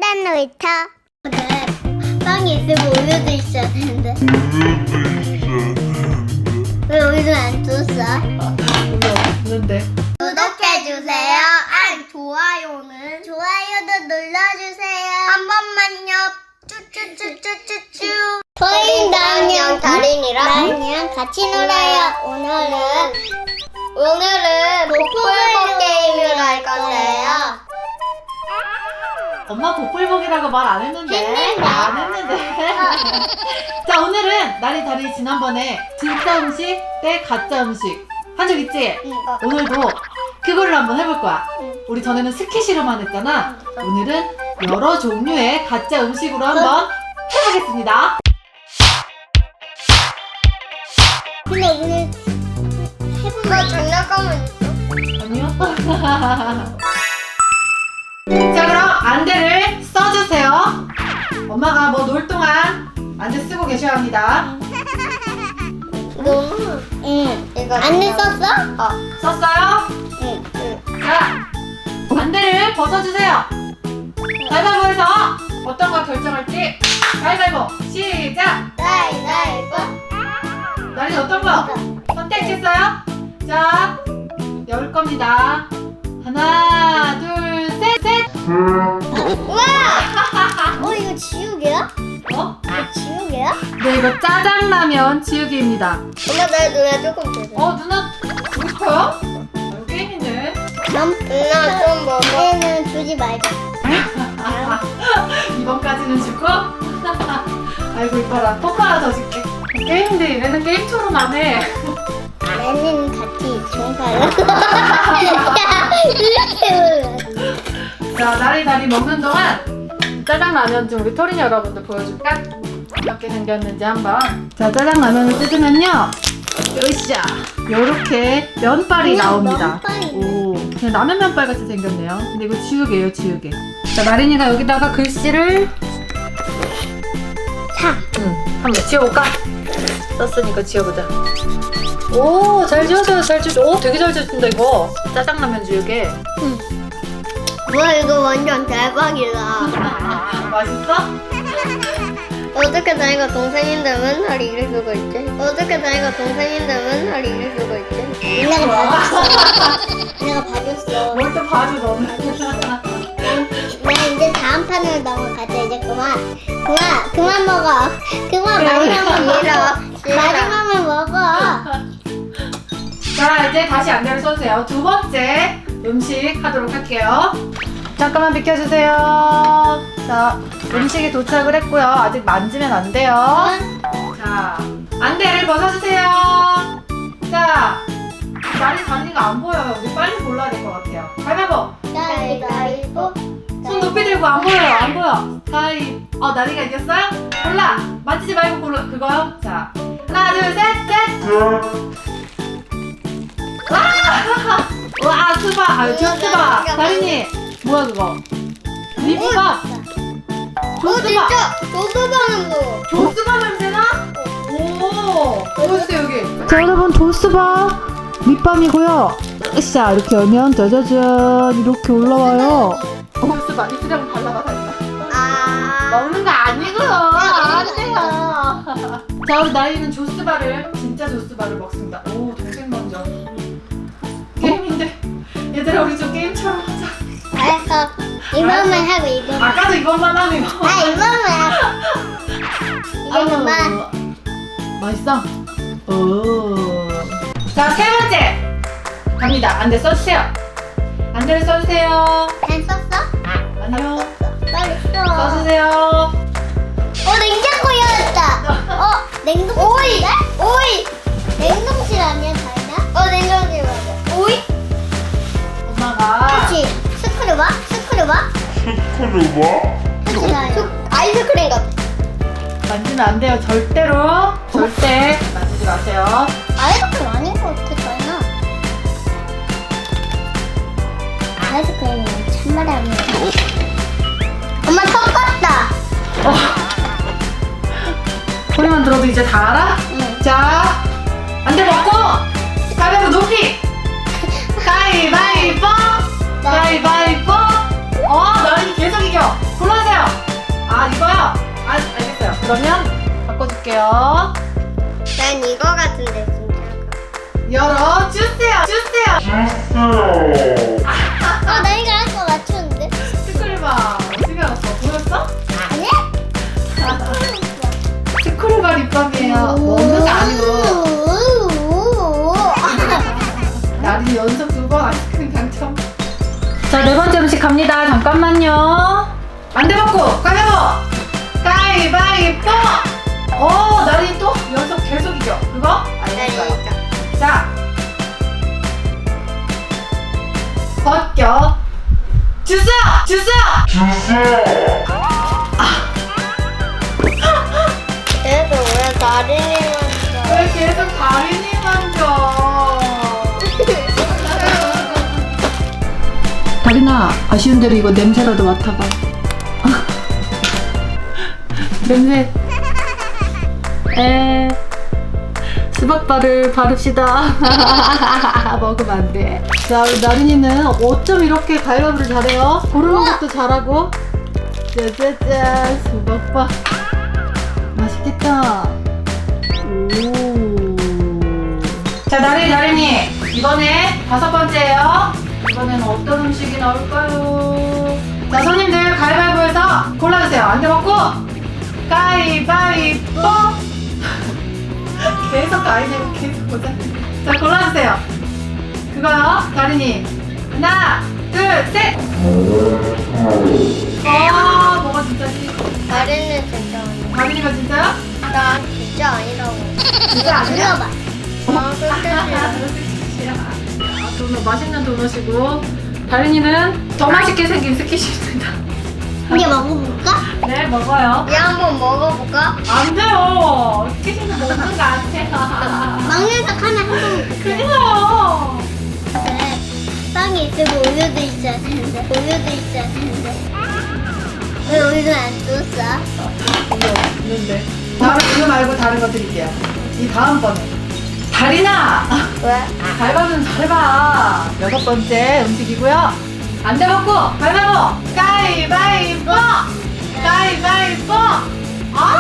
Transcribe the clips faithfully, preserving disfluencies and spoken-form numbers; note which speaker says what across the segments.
Speaker 1: 딴딴 놀이터. 네, 빵이 있으면 우유도 있어야 되는데. 왜 우유를 안 줬어?
Speaker 2: 우유 없는데.
Speaker 1: 구독해주세요. 아, 좋아요는 좋아요도 눌러주세요. 한 번만요. 쭈쭈쭈쭈쭈쭈. 저희 나은이랑 다린이랑 나은이랑 같이 놀아요. 오늘은 오늘은 복불복 게임을 할 건데요.
Speaker 2: 엄마 복불복이라고 말 안 했는데.
Speaker 1: 했는데.
Speaker 2: 안 했는데. 자, 오늘은 나리 다리 지난번에 진짜 음식 대 가짜 음식 한 적 있지?
Speaker 1: 응. 어.
Speaker 2: 오늘도 그거를 한번 해볼 거야.
Speaker 1: 응.
Speaker 2: 우리 전에는 스키시로만 했잖아. 오늘은 여러 종류의 가짜 음식으로 한번 해보겠습니다.
Speaker 1: 근데 오늘 해본 거 장난감은 있어?
Speaker 2: 아니요. 자, 그럼 안대를 써주세요. 엄마가 뭐 놀 동안 안대 쓰고 계셔야 합니다.
Speaker 1: 너무 응. 이거 안내 썼어? 어.
Speaker 2: 썼어요?
Speaker 1: 응. 응.
Speaker 2: 자, 안대를 벗어주세요. 가위바위보에서 어떤 걸 결정할지 가위바위보 시작!
Speaker 1: 가위바위보.
Speaker 2: 나린 어떤 거 선택했어요? 자, 열 겁니다. 하나, 둘, 셋, 셋!
Speaker 1: 우와! 어, 이거 지우개야?
Speaker 2: 어?
Speaker 1: 이거 지우개야?
Speaker 2: 네, 이거 짜장라면 지우개입니다.
Speaker 1: 엄마, 나 누나 조금 주세요.
Speaker 2: 어, 누나 주고 싶어요? 이거 게임인데.
Speaker 1: 남, 누나 좀 먹어. 얘는 주지 말자.
Speaker 2: 이번까지는 주고. 아이고, 이뻐라. 뽀뽀 하나 더 줄게. 게임인데 얘는 게임처럼 안 해.
Speaker 1: 얘는 같이 종사요. 이렇게
Speaker 2: 자, 나리 다리 먹는 동안 짜장라면 좀 우리 토린 여러분들 보여줄까? 어떻게 생겼는지 한번. 자, 짜장라면을 뜯으면요, 으쌰, 요렇게 면발이
Speaker 1: 그냥
Speaker 2: 나옵니다.
Speaker 1: 면발이네.
Speaker 2: 오, 그냥 라면 면발 같이 생겼네요. 근데 이거 지우개예요, 지우개. 자, 나린이가 여기다가 글씨를
Speaker 1: 사.
Speaker 2: 응, 한번 지워볼까? 썼으니까 지워보자. 오, 잘 지워져요, 잘 지워져. 오, 되게 잘 지워진다, 이거. 짜장라면 지우개.
Speaker 1: 응. 와, 이거 완전 대박이다.
Speaker 2: 맛있어?
Speaker 1: 어떻게 나이가 동생인데 맨날 이럴 수가 있지? 어떻게 나이가 동생인데 맨날 이럴 수가 있지? 내가 봐줬어. 내가 봐줬어.
Speaker 2: 뭘 또 봐줘, 너는.
Speaker 1: 나 이제 다음 판으로 넘어가자. 이제 그만. 그만. 그만 먹어. 그만 마지막만 먹어. 마지막만 먹어.
Speaker 2: 자, 이제 다시 안대를 써주세요. 두 번째 음식 하도록 할게요. 잠깐만 비켜주세요. 자, 음식이 도착을 했고요. 아직 만지면 안 돼요. 자, 안대를 벗어주세요. 자, 나리 다리가 안 보여요. 우리 빨리 골라야 될 것 같아요. 가위바위보.
Speaker 1: 가위바위보.
Speaker 2: 손 높이 들고 안 보여요. 안 보여. 가위. 어, 나리가 이겼어요? 골라. 만지지 말고 골라. 그거요. 자, 하나, 둘, 셋, 셋. 와! 와, 스바. 아, 조스바. 다린이. 뭐야, 그거? 립밥.
Speaker 1: 어,
Speaker 2: 조스바.
Speaker 1: 진짜 조스바는 뭐?
Speaker 2: 조스바 냄새나? 오. 보여주세요, 여기. 자, 여러분, 조스바 립밤이고요. 으쌰, 이렇게 열면 짜자잔 이렇게 올라와요. 조스바. 입술에 발라봐, 다린아.
Speaker 1: 아.
Speaker 2: 먹는 거 아니고요. 안 돼요. 자, 우리 나이는 조스바를, 진짜 조스바를 먹습니다. 오, 동생 먼저. 게임인데. 얘들아, 우리 좀 게임처럼 하자.
Speaker 1: 알았어. 이번만 하고 이번만.
Speaker 2: 아까도 이것만 하는 거.
Speaker 1: 아, 이번만. 이번만.
Speaker 2: 맛있어? 오. 자, 세 번째. 갑니다. 안대 써주세요. 안대를 써주세요.
Speaker 1: 잘 썼어?
Speaker 2: 아니요.
Speaker 1: 빨리 써.
Speaker 2: 써주세요.
Speaker 1: 어, 냉장고 열었다. 어, 냉동실. 오이. 오이. 냉동실 아니야, 다이나? 어, 냉동실 맞아. 오이?
Speaker 2: 엄마가.
Speaker 1: 그치. 스크류바? 스크류바?
Speaker 3: 스크류바?
Speaker 1: 그치, 다이나. 아이스크림 같아.
Speaker 2: 만지면 안 돼요. 절대로. 절대 만지지 마세요.
Speaker 1: 아이스크림 아닌 것 같아, 다이나. 아이스크림은 참말이 아니야. 엄마 턱 같다.
Speaker 2: 어. 소리만 들어도 이제 다 알아?
Speaker 1: 응.
Speaker 2: 자, 안대 벗고 가위바위보 높이. 가위바위보. 가위바위보. 어, 나린이 계속 이겨. 골라주세요. 그러면 바꿔줄게요.
Speaker 1: 난 이거 같은데 진짜.
Speaker 2: 열어주세요. 주세요.
Speaker 3: 주세요.
Speaker 1: 아, 나 이거 아까 맞췄는데?
Speaker 2: 스크류바 어떻게 알았어? 보였어?
Speaker 1: 아니?
Speaker 2: 스크류바 립밤이에요. 먹는 게 아니고. 나리 연속 두 번 아이스크림 당첨. 자, 네 번째 음식 갑니다. 잠깐만요. 안 돼 먹고 가위바위보. 가위바위보. 오, 나리 또 연속 계속 이겨. 그거? 알겠어요. 자, 벗겨 주세요. 주세요.
Speaker 3: 주세요.
Speaker 1: 그래도 왜 다리니 만져?
Speaker 2: 왜 계속 다리니 만져? 다리나, 아쉬운 대로 이거 냄새라도 맡아봐. 냄새. 에, 수박바를 바릅시다. 먹으면 안 돼. 자, 우리 나린이는 어쩜 이렇게 가위바위보를 잘해요? 고르는 것도 잘하고. 짜자잔, 수박바. 맛있겠다. 오. 자, 나린이, 나린이. 이번에 다섯 번째예요. 이번에는 어떤 음식이 나올까요? 자, 손님들 가위바위보에서 골라주세요. 안 돼 먹고 가위바위보. 계속 가위바위보 계속 보자. 자, 골라주세요. 그거요, 다린이. 하나, 둘, 셋. 아, 뭐가 진짜지?
Speaker 1: 다리는 진짜 아니야.
Speaker 2: 다린이가 진짜요?
Speaker 1: 나 진짜 아니라고.
Speaker 2: 진짜 아니야?
Speaker 1: 들어봐. 아, 그렇겠지.
Speaker 2: 아, 도넛, 맛있는 도넛이고, 다린이는 더 맛있게 생긴 스키십니다.
Speaker 1: 이게 먹어볼까?
Speaker 2: 네, 먹어요.
Speaker 1: 얘 한번 먹어볼까?
Speaker 2: 안 돼요. 스키십은 먹는 거 아니에요.
Speaker 1: 막내가 하나 한번 먹을게.
Speaker 2: 큰일 나요.
Speaker 1: 네. 빵이 있고 우유도 있어야 되는데 우유도 있어야 되는데 왜 우유를 안 줬어?
Speaker 2: 이거 있는데. 다음에 이거 말고 다른 거 드릴게요. 이 다음번에. 다리나!
Speaker 1: 왜?
Speaker 2: 가위바위보는 잘해봐. 여섯 번째 음식이고요. 안 돼 먹고 가위바위보. 가위바위보. 가위바위보. 아,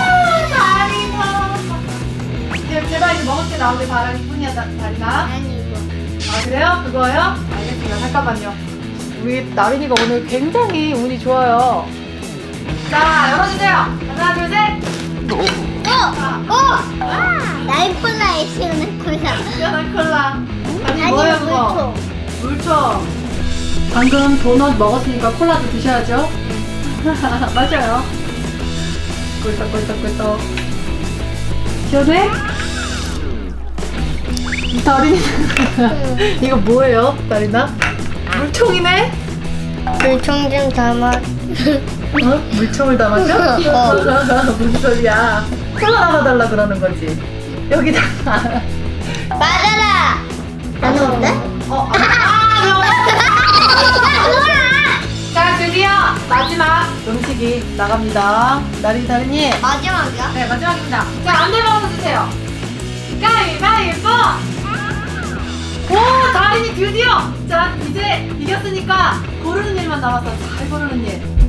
Speaker 2: 다리나. 제- 제발 이제 먹을 때 나오길 바라기 뿐이야, 다- 다리나.
Speaker 1: 아니 이거
Speaker 2: 아, 그래요? 그거요? 알겠습니다. 잠깐만요. 우리 나린이가 오늘 굉장히 운이 좋아요. 자, 열어주세요. 하나, 둘, 셋.
Speaker 1: 어! 어! 나이콜라에 시원한 콜라
Speaker 2: 시원한 콜라. 아니,
Speaker 1: 아니
Speaker 2: 뭐예요, 그거?
Speaker 1: 물총
Speaker 2: 물총. 방금 도넛 먹었으니까 콜라도 드셔야죠. 맞아요. 꿀떡꿀떡꿀떡. 시원해? 다린이. 이거 뭐예요, 다린아? 물총이네?
Speaker 1: 물총 좀 담아
Speaker 2: 어? 물총을 담았죠?
Speaker 1: 어.
Speaker 2: 무슨 소리야? 콜라 담아달라 그러는 거지. 여기다.
Speaker 1: 맞아라! 안 오는데?
Speaker 2: 어, 아, 아, 자, 드디어 마지막 음식이 나갑니다. 나린이, 다린이.
Speaker 1: 마지막이야?
Speaker 2: 네, 마지막입니다. 자, 안대 먹어주세요. 가위바위보! 오, 다린이 드디어! 자, 이제 이겼으니까 고르는 일만 남았어. 잘 고르는 일.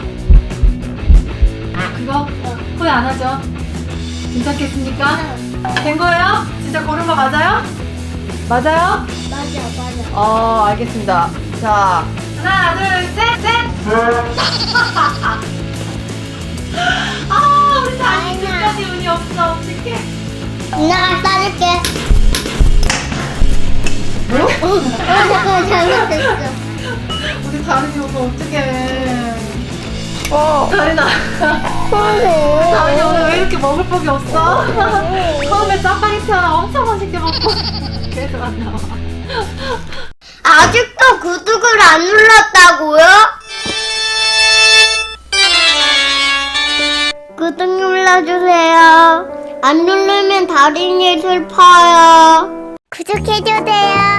Speaker 2: 그거 어, 후회 안 하죠? 괜찮겠습니까? 된 거예요? 진짜 고른 거 맞아요? 맞아요?
Speaker 1: 맞아 맞아
Speaker 2: 어, 알겠습니다. 자, 하나, 둘, 셋, 셋! 아, 우리 다린이 끝까지 운이 없어. 어떡해.
Speaker 1: 누나가 싸줄게
Speaker 2: 뭐?
Speaker 1: 어 잠깐만 잘못했어
Speaker 2: 우리 다린이 오늘 어떡해. 어. 다린아. 다린이 오늘 왜 이렇게 먹을 법이 없어? 처음에 짜파게티 하나 엄청 맛있게 먹고 계속 안 나와.
Speaker 1: 아직도 구독을 안 눌렀다고요? 구독 눌러주세요 안 누르면 다린이 슬퍼요 구독해주세요